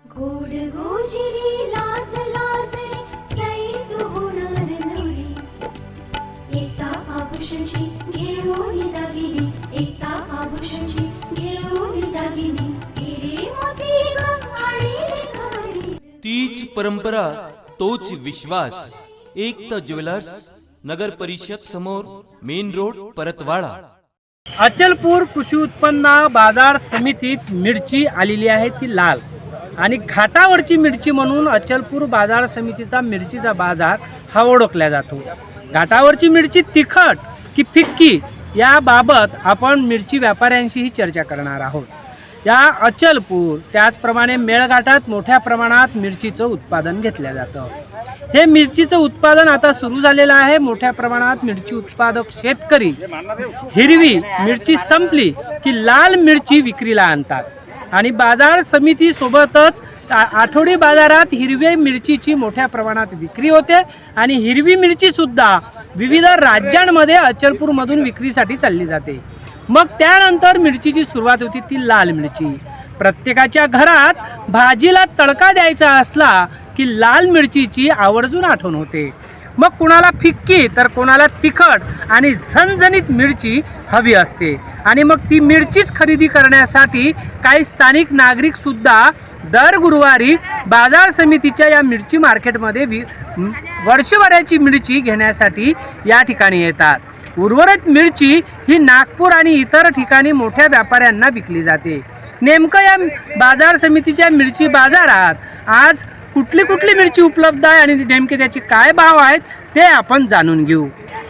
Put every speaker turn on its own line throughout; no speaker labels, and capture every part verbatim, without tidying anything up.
गोड गोजिरी लाज लाज रे सई तू होणार नवरी एकता आभूषणची घेऊन दागिनी एकता आभूषणची घेऊन दागिनी हिरे मोती गंगाळी घरी
तीच परंपरा तोच विश्वास एकता ज्वेलर्स नगर परिषद समोर मेन रोड परतवाडा।
अचलपूर कृषी उत्पन्न बाजार समितीत मिरची आलेली आहे ती लाल आणि घाटावरची मिरची म्हणून अचलपूर बाजार समितीचा मिरचीचा बाजार हा ओळखला जातो। घाटावरची मिरची तिखट की फिक्की याबाबत आपण मिरची व्यापाऱ्यांशीही चर्चा करणार आहोत। या अचलपूर त्याचप्रमाणे मेळघाटात मोठ्या प्रमाणात मिरचीचं उत्पादन घेतलं जातं। हे मिरचीचं उत्पादन आता सुरू झालेलं आहे। मोठ्या प्रमाणात मिरची उत्पादक शेतकरी हिरवी मिरची संपली की लाल मिरची विक्रीला आणतात आणि बाजार समिती सोबतच आठवडी बाजारात हिरवी मिरचीची मोठ्या प्रमाणात विक्री होते आणि हिरवी मिरची सुद्धा विविध राज्यांमध्ये अचलपूरमधून विक्रीसाठी चालली जाते। मग त्यानंतर मिरचीची सुरुवात होती ती लाल मिरची। प्रत्येकाच्या घरात भाजीला तडका द्यायचा असला की लाल मिरचीची आवर्जून आठवण होते। मग कुणाला फिक्की तर कोणाला तिखट आणि झणझणीत मिरची हवी असते आणि मग ती मिरचीच खरेदी करण्यासाठी काही स्थानिक नागरिक सुद्धा दर गुरुवारी बाजार समितीच्या या मिरची मार्केटमध्ये वि वर्षभराची मिरची घेण्यासाठी या ठिकाणी येतात। उर्वरित मिरची ही नागपूर आणि इतर ठिकाणी मोठ्या व्यापाऱ्यांना विकली जाते। नेमकं या बाजार समितीच्या मिरची बाजारात आज कुठली कुठली मिरची उपलब्ध आहे आणि नेमके त्याचे काय भाव आहेत ते आपण जाणून घेऊ।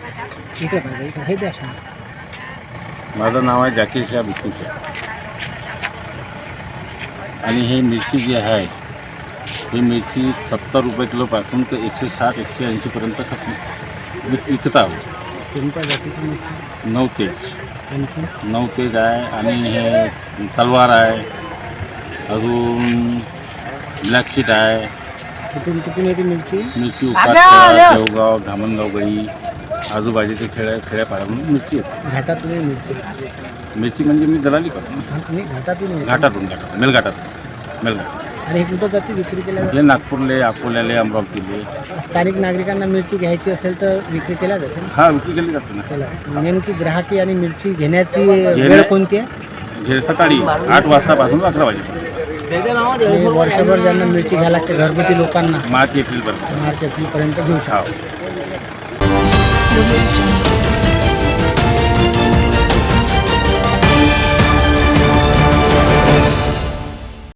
माझं नाव आहे जाकीर शाह बिट्टू शाह आणि हे मिरची जी आहे ही मिरची सत्तर रुपये किलोपासून ते एकशे साठ एकशे ऐंशीपर्यंत खप विक विकत आहोत।
कोणत्या जातीची मिरची?
नऊ तेज
आणखी
नऊ तेज आहे आणि हे तलवार आहे, अजून ब्लॅक शीट आहे।
कुठून कुठून येते मिरची?
मिरची उपासखेडा, देवगाव, धामणगाव गळी आजूबाजूचे खेड्या खेड्यापाड्यातून मिरची येते।
घाटातून मिरची
मिरची म्हणजे मी दलाली करतो ना,
आणि घाटातून
घाटातून घाटातून मेलघाटातून मेलघाट
आणि हे कुठं जाते विक्री केल्या
हे नागपूरले, अकोल्याले, अमरावतीले
स्थानिक नागरिकांना मिरची घ्यायची असेल तर विक्री केल्या जाते ना?
हा विक्री केली जाते ना।
केल्या नेमकी ग्राहकी आणि मिरची घेण्याची वेळ कोणती आहे?
हे सकाळी आठ वाजतापासून अकरा वाजेपर्यंत
आणि वर्षभर ज्यांना मिरची घ्यायला लागते घरगुती लोकांना
मार्च एप्रिलपर्यंत
मार्च एप्रिलपर्यंत घेऊ शकतो।
हा।